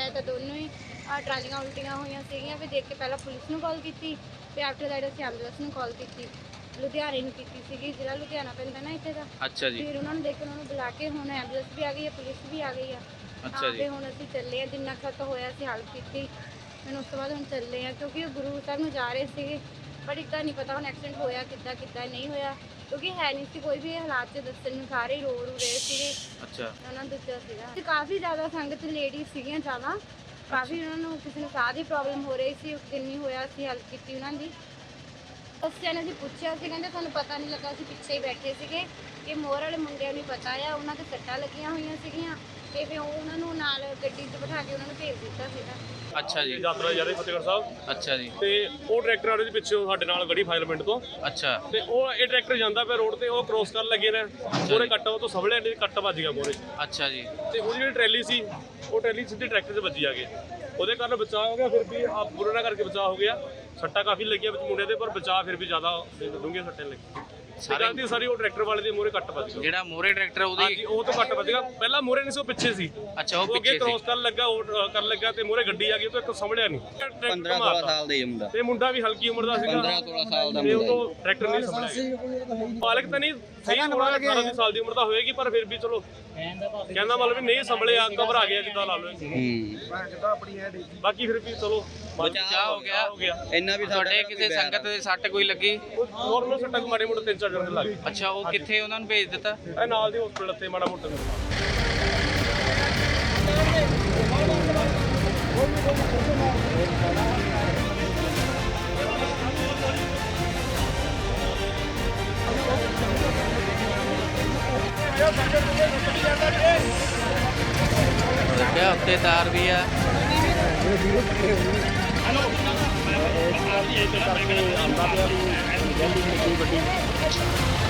ਮੈਂ ਤਾਂ ਦੋਨੋਂ ਹੀ ਟਰਾਲੀਆਂ ਉਲਟੀਆਂ ਹੋਈਆਂ ਸੀਗੀਆਂ। ਫਿਰ ਦੇਖ ਕੇ ਪਹਿਲਾਂ ਪੁਲਿਸ ਨੂੰ ਕਾਲ ਕੀਤੀ, ਫਿਰ ਆਫਟਰ ਦੈਟ ਅਸੀਂ ਐਂਬੂਲੈਂਸ ਨੂੰ ਕਾਲ ਕੀਤੀ, ਲੁਧਿਆਣੇ ਨੂੰ ਕੀਤੀ ਸੀਗੀ, ਜਿਹੜਾ ਲੁਧਿਆਣਾ ਪੈਂਦਾ ਨਾ ਇੱਥੇ ਦਾ। ਅੱਛਾ ਜੀ। ਫਿਰ ਉਹਨਾਂ ਨੂੰ ਦੇਖ ਕੇ ਉਹਨਾਂ ਨੂੰ ਬੁਲਾ ਕੇ ਹੁਣ ਐਂਬੂਲੈਂਸ ਵੀ ਆ ਗਈ ਹੈ, ਪੁਲਿਸ ਵੀ ਆ ਗਈ ਆ। ਅੱਛਾ ਜੀ। ਫਿਰ ਹੁਣ ਅਸੀਂ ਚੱਲੇ ਆ, ਜਿੰਨਾ ਖਤ ਹੋਇਆ ਅਸੀਂ ਹੈਲਪ ਕੀਤੀ। ਫਿਰ ਉਸ ਤੋਂ ਬਾਅਦ ਹੁਣ ਚੱਲੇ ਆ, ਕਿਉਂਕਿ ਉਹ ਗੁਰੂ ਸਾਹਿਬ ਨੂੰ ਜਾ ਰਹੇ ਸੀਗੇ। ਪਰ ਇੱਦਾਂ ਨਹੀਂ ਪਤਾ ਹੁਣ ਐਕਸੀਡੈਂਟ ਹੋਇਆ ਕਿੱਦਾਂ ਨਹੀਂ ਹੋਇਆ, ਕਿਉਂਕਿ ਹੈ ਨਹੀਂ ਸੀ ਕੋਈ ਵੀ ਹਾਲਾਤ 'ਚ ਦੱਸਣ ਨੂੰ, ਸਾਰੇ ਹੀ ਰੋ ਰਹੇ ਸੀਗੇ। ਅੱਛਾ। ਉਹਨਾਂ ਨੂੰ ਦੱਸਿਆ ਸੀਗਾ ਤੇ ਕਾਫੀ ਜ਼ਿਆਦਾ ਸੰਗਤ ਲੇਡੀਜ਼ ਸੀਗੀਆਂ ਜ਼ਿਆਦਾ, ਕਾਫੀ ਉਹਨਾਂ ਨੂੰ ਕਿਸੇ ਨੂੰ ਸਾਹ ਦੀ ਪ੍ਰੋਬਲਮ ਹੋ ਰਹੀ ਸੀ। ਉਸ ਦਿਨ ਨਹੀਂ ਹੋਇਆ, ਅਸੀਂ ਹੈਲਪ ਕੀਤੀ ਉਹਨਾਂ ਦੀ। ਬੱਚਿਆਂ ਨੇ ਅਸੀਂ ਪੁੱਛਿਆ ਸੀ, ਕਹਿੰਦੇ ਸਾਨੂੰ ਪਤਾ ਨਹੀਂ ਲੱਗਾ, ਅਸੀਂ ਪਿੱਛੇ ਹੀ ਬੈਠੇ ਸੀਗੇ। ਕਿ ਮੋਹਰ ਵਾਲੇ ਮੁੰਡਿਆਂ ਨੂੰ ਪਤਾ ਆ, ਉਹਨਾਂ ਤੇ ਸੱਟਾਂ ਲੱਗੀਆਂ ਹੋਈਆਂ ਸੀਗੀਆਂ ਤੇ ਫਿਰ ਉਹਨਾਂ ਨੂੰ ਨਾਲ ਗੱਡੀ 'ਚ ਬਿਠਾ ਕੇ ਉਹਨਾਂ ਨੂੰ ਭੇਜ ਦਿੱਤਾ ਸੀਗਾ। ਅੱਛਾ ਜੀ। ਯਾਤਰਾ ਜਾ ਰਹੀ ਫਤਿਹਗੜ੍ਹ ਸਾਹਿਬ। ਅੱਛਾ ਜੀ। ਤੇ ਉਹ ਟਰੈਕਟਰ ਆ ਰਿਹਾ ਸੀ ਪਿੱਛੇ ਸਾਡੇ ਨਾਲ ਗੜੀ ਫਾਇਰਮੈਂਟ ਤੋਂ। ਅੱਛਾ। ਤੇ ਉਹ ਇਹ ਟਰੈਕਟਰ ਜਾਂਦਾ ਪਿਆ ਰੋਡ ਤੇ, ਉਹ ਕ੍ਰੋਸ ਕਰਨ ਲੱਗੇ ਨੇ, ਮੋਰੇ ਕੱਟ ਉਹ ਤੋਂ ਸਵਲੇ ਨੇ ਕੱਟ ਵੱਜ ਗਿਆ ਮੋਰੇ। ਅੱਛਾ ਜੀ। ਤੇ ਉਹਦੀ ਜਿਹੜੀ ਟਰੈਲੀ ਸੀ, ਉਹ ਟਰੈਲੀ ਸਿੱਧੀ ਟਰੈਕਟਰ 'ਚ ਵੱਜੀ ਆ ਕੇ, ਉਹਦੇ ਕਾਰਨ ਬਚਾਅ ਹੋ ਗਿਆ। ਫਿਰ ਵੀ ਬੁਰੇ ਨਾਲ ਕਰਕੇ ਬਚਾਅ ਹੋ ਗਿਆ। ਸੱਟਾਂ ਕਾਫੀ ਲੱਗੀਆਂ ਵਿੱਚ ਮੁੰਡੇ ਦੇ, ਪਰ ਬਚਾਅ ਫਿਰ ਵੀ ਜ਼ਿਆਦਾ ਡੂੰਘੀਆਂ ਸੱਟਾਂ ਲੱਗੀਆਂ। ਸਾਰੀ ਉਹ ਟਰੈਕਟਰ ਵਾਲੇ ਦੇ ਮੋਰੇ ਕੱਟ ਵੱਜ ਗਿਆ। ਜਿਹੜਾ ਮੋਰੇ ਟਰੈਕਟਰ ਉਹਦੀ? ਹਾਂਜੀ, ਉਹ ਤੋਂ ਕੱਟ ਵੱਜ ਗਿਆ। ਪਹਿਲਾਂ ਮੋਰੇ ਨਹੀਂ ਸੀ, ਉਹ ਪਿੱਛੇ ਸੀ। ਅੱਛਾ, ਉਹ ਅੱਗੇ ਪਿੱਛੇ ਸੀ। ਕ੍ਰੋਸ ਕਰਨ ਲੱਗਾ, ਉਹ ਕਰਨ ਲੱਗਾ ਤੇ ਮੋਰੇ ਗੱਡੀ ਆ ਗਈ, ਉਹ ਤੋਂ ਇੱਕ ਸੰਭਲਿਆ ਨਹੀਂ। 15-16 ਸਾਲ ਦਾ ਹੀ ਮੁੰਡਾ, ਤੇ ਮੁੰਡਾ ਵੀ ਹਲਕੀ ਉਮਰ ਦਾ ਸੀਗਾ, 15-16 ਸਾਲ ਦਾ ਤੇ ਉਹ ਮੁੰਡਾ। ਤੋਂ ਟਰੈਕਟਰ ਨਹੀਂ ਸੰਭਲਿਆ। ਮਾਲਕ ਤਾਂ ਨਹੀਂ ਸਹੀ ਹੋਣਾ, 18 ਸਾਲ ਦੀ ਉਮਰ ਦਾ ਹੋਏਗੀ, ਪਰ ਫਿਰ ਵੀ ਚਲੋ ਕਹਿੰਦਾ ਮਤਲਬ ਵੀ ਨਹੀਂ ਸੰਭਲਿਆ, ਘਬਰਾ ਗਿਆ ਜਿੱਦਾਂ ਲਾ ਲਓ। ਬਾਕੀ ਫਿਰ ਵੀ ਚਲੋ ਬਚਾਅ ਹੋ ਗਿਆ। ਇੰਨਾ ਵੀ ਤੁਹਾਡੇ ਕਿਸੇ ਸੰਗਤ ਦੇ ਸੱਟ ਕੋਈ ਲੱਗੀ? ਨੋਰਮਲ ਸੱਟਾਂ ਮਾੜੇ ਮੋਟੇ 3-4 ਜਣ ਦੇ ਲੱਗ ਗਏ। ਅੱਛਾ, ਉਹ ਕਿੱਥੇ ਉਹਨਾਂ ਨੂੰ ਭੇਜ ਦਿੱਤਾ? ਇਹ ਨਾਲ ਦੀ ਹਸਪੀਟਲ ਤੇ ਮਾੜਾ ਮੋਟਾ ਲੱਗਿਆ ਉੱਤੇ ਤਾਰ ਵੀ ਆ। ਆਉਂਦਾ ਪਿਆ ਵੀ